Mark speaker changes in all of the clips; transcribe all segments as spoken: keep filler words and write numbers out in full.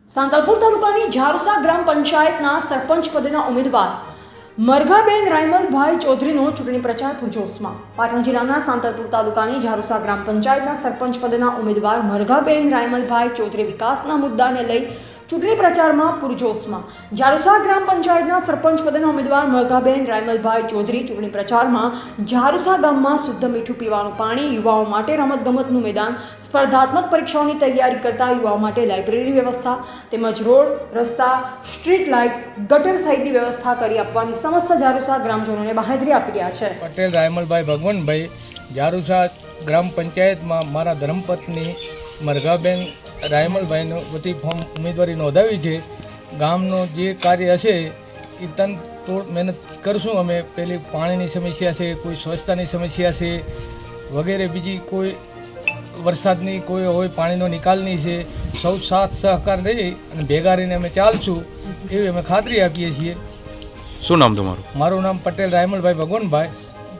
Speaker 1: સાંતલપુર તાલુકાની ઝારુસા ગ્રામ પંચાયતના સરપંચ પદેના ઉમેદવાર મરઘાબેન રાયમલભાઈ ચૌધરીનો ચૂંટણી પ્રચાર પૂરજોશમાં। પાટણ જિલ્લાના સાંતલપુર તાલુકાની ઝારુસા ગ્રામ પંચાયતના સરપંચ પદેના ઉમેદવાર મરઘાબેન રાયમલભાઈ ચૌધરી વિકાસના મુદ્દાને લઈ ચૂંટણી પ્રચારમાં પૂરજોશમાં। ઝારુસા ગ્રામ પંચાયતના સરપંચ પદેના ઉમેદવાર મરઘાબેન રાયમલભાઈ ચૌધરી ચૂંટણી પ્રચારમાં ઝારુસા ગામમાં શુદ્ધ મીઠું પીવાનું પાણી, યુવાઓ માટે રમતગમતનું મેદાન, સ્પર્ધાત્મક પરીક્ષાઓની તૈયારી કરતા યુવાઓ માટે લાઇબ્રેરી વ્યવસ્થા તેમજ રોડ, રસ્તા, સ્ટ્રીટ લાઇટ, ગટર સહિતની વ્યવસ્થા કરી આપવાની સમસ્ત ઝારુસા ગ્રામજનોને બાંહેધરી આપી રહ્યા છે।
Speaker 2: પટેલ રાયમલભાઈ ભગવાનભાઈ ઝારુસા ગ્રામ પંચાયતમાં મારા ધર્મપત્ની મરઘાબેન રાયમલભાઈનો વતી ફોર્મ ઉમેદવારી નોંધાવી છે। ગામનો જે કાર્ય હશે એ તન તોડ મહેનત કરશું અમે। પેલી પાણીની સમસ્યા છે, કોઈ સ્વચ્છતાની સમસ્યા છે, વગેરે બીજી કોઈ વરસાદની કોઈ હોય પાણીનો નિકાલની છે, સૌ સાથ સહકાર રહી અને ભેગા રહીને અમે ચાલશું એવી અમે ખાતરી આપીએ છીએ।
Speaker 3: શું નામ તમારું?
Speaker 2: મારું નામ પટેલ રાયમલભાઈ ભગવાનભાઈ।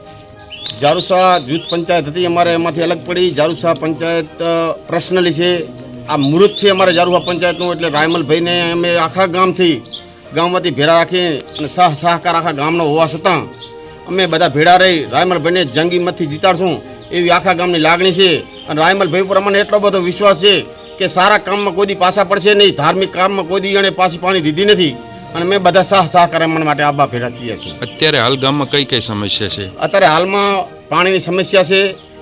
Speaker 4: ઝારુસા જૂથ પંચાયત હતી અમારે, એમાંથી અલગ પડી ઝારુસા પંચાયત પર્સનલી છે, આ મૃત છે અમારે ઝારુસા પંચાયતનું। એટલે રાયમલભાઈને અમે આખા ગામથી ગામમાંથી ભેળા રાખી અને સહ સહકાર આખા ગામનો હોવા છતાં અમે બધા ભેળા રહી રાયમલભાઈને જંગી મતથી જીતાડશું એવી આખા ગામની લાગણી છે। અને રાયમલભાઈ પર અમને એટલો બધો વિશ્વાસ છે કે સારા કામમાં કોઈ દી પાછા પડશે નહીં, ધાર્મિક કામમાં કોઈ દી એણે પાછી પાણી દીધી નથી અને અમે બધા સહ સહકાર એમના માટે આબા ભેળા છીએ છીએ।
Speaker 3: અત્યારે હાલ ગામમાં કઈ કઈ સમસ્યા છે?
Speaker 4: અત્યારે હાલમાં પાણીની સમસ્યા છે,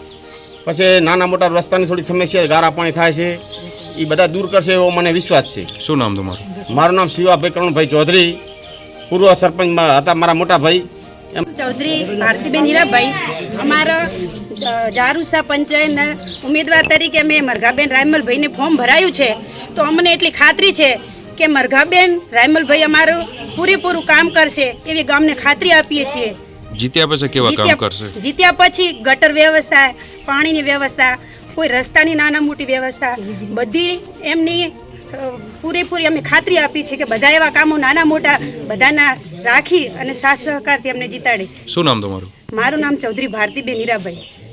Speaker 4: પછી નાના મોટા રસ્તાની થોડી સમસ્યા, ગારા પાણી થાય છે, એ બધા દૂર કરશે એવો મને વિશ્વાસ છે।
Speaker 3: શું નામ તમારું?
Speaker 4: મારું નામ શિવાભાઈ કરણભાઈ ચૌધરી, પૂર્વ સરપંચમાં હતા મારા મોટા ભાઈ
Speaker 5: ચૌધરી ભારતીબેન હીરાભાઈ। અમારા ઝારુસા પંચાયતના ઉમેદવાર તરીકે મેં મરઘાબેન રાયમલભાઈને ફોર્મ ભરાયું છે, તો અમને એટલી ખાતરી છે કે મરઘાબેન રાયમલભાઈ અમારું પૂરેપૂરું કામ કરશે એવી ગામને ખાતરી આપીએ છીએ।
Speaker 3: જીત્યા પછી કેવા કામ કરશે?
Speaker 5: જીત્યા પછી ગટર વ્યવસ્થા, પાણીની વ્યવસ્થા, કોઈ રસ્તાની નાના મોટી વ્યવસ્થા, બધી એમની પૂરેપૂરી અમે ખાતરી આપી છે કે બધા એવા કામો નાના મોટા બધાના રાખી અને સાથ સહકારથી અમને જીતાડી।
Speaker 3: શું નામ તમારું?
Speaker 5: મારું નામ ચૌધરી ભારતીબેન હીરાભાઈ।